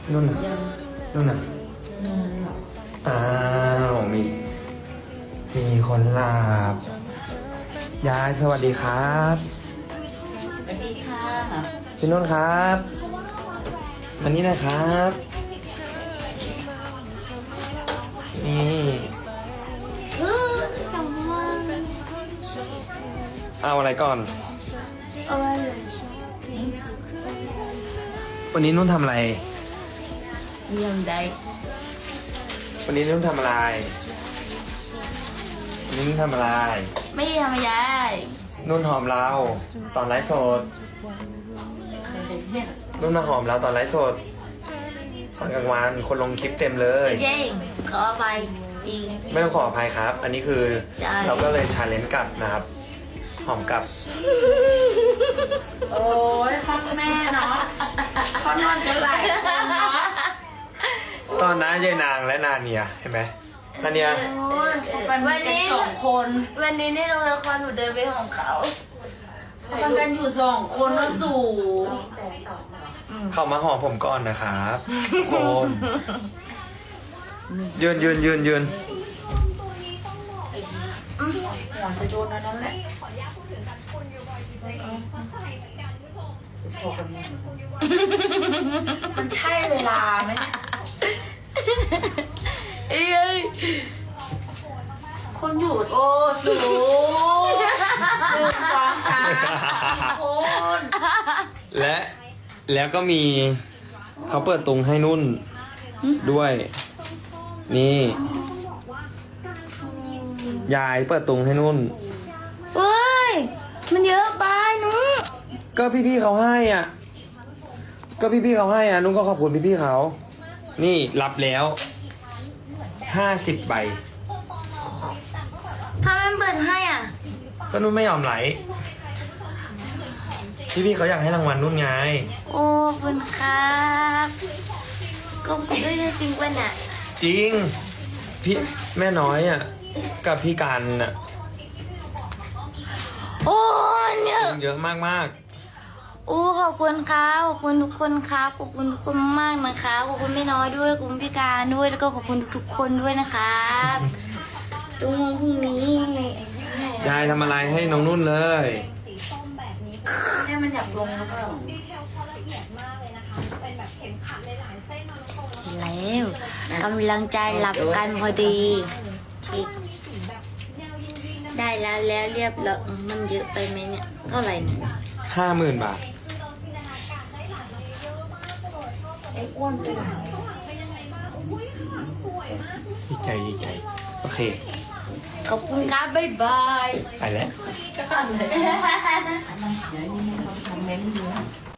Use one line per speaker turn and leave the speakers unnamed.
นุ่นน่ะ
ยัง
นุ่นน่ะ
นอนหลับ
อ้าวมีคนหลับยายสวัสดีครับ
สวัสดีค่ะ
พี่นุ่นครับอันนี้นะครับนี่
จังว่า
เอาอะไรก่อน
เอาไว้เลย
วันนี้นุ่นทำอะไร
ยังได้
วันนี้นุ่นทำอะไรวันนี้นุ่นทำอะไร
ไม่ได้ทำอะไร
นุ่นหอมเราตอนไลฟ์สด
อะไรเนี่ย
นุ่นมาหอมเราตอนไลฟ์สดตอนกลางวันคนลงคลิปเต็มเลย
โอเคขอไปจริง
ไม่ต้องขออภัยครับ อันนี้คือ
ใช่
เราก็เลยชาเลนจ์กลับนะครับ หอมกลับ
โอ้ยพ่อแม่เนาะเขานอนกันหลายคนเนาะ
ตอนนั้นยายนางและนาเนียเห็นไหมนาเนีย
โอ้ยเขาเป็นกันสองคน
วันนี้ในโรงละครหนูเดินไปของเขา
เขาเป็นกันอยู่สองคนแล้วสู่
เข้ามาหอมผมก่อนนะครับทุกคน ยืน
หัวจะโดนอันนั้นแหละมันใช่เวลาไหมเนี่ย
เอ้ย
คนอยู่โอ้สูหนึ่งสองสามคน
แล้วก็มีเขาเปิดตรงให้นุ่นด้วย นี่ ยายเปิดตรงให้นุ่น
เฮ้ยมันเยอะไปหนู
ก็พี่ๆเขาให้อ่ะ ก็พี่ๆเขาให้อ่ะนุ่นก็ขอบคุณพี่ๆเขา นี่รับแล้ว50 ใบ
ทำไมมันเปิดให้อ่ะ
ก็นุ่นไม่ยอมไหล พี่ๆเขาอยากให้รางวัลนุ่นไง
โอ้ขอบคุณครับก็ได้จริงป่ะเนี่ย
จริง พี่แม่น้อยอ่ะ กับพี่การอ่ะ
โอ้เนี่ย
เยอะมาก
โอ้ขอบคุณครับขอบคุณทุกคนครับขอบคุณทุกคนมากนะคะขอบคุณไม่น้อยด้วยขอบคุณพี่การด้วยแล้วก็ขอบคุณทุกๆคนด้วยนะครับตรงพรุ่งนี้
ๆ ยายทำอะไรให้น้องนุ่นเลย
แม่มันอยากลงแล้วเปล่า
แล้วกำลังจะหลับกันพอดีได้แล้วเรียบร้อยมันเยอะไปไหมเนี่ยเท่าไหร่เนี่ย
50,000 บาท
ไอ้อ้วนไปไหน
ดีใจ โอเค
ขอบคุณครับบ๊ายบาย
ไปแล้ว
ก็เลยเดี๋ยวนี่มันทำเม้นต์อยู่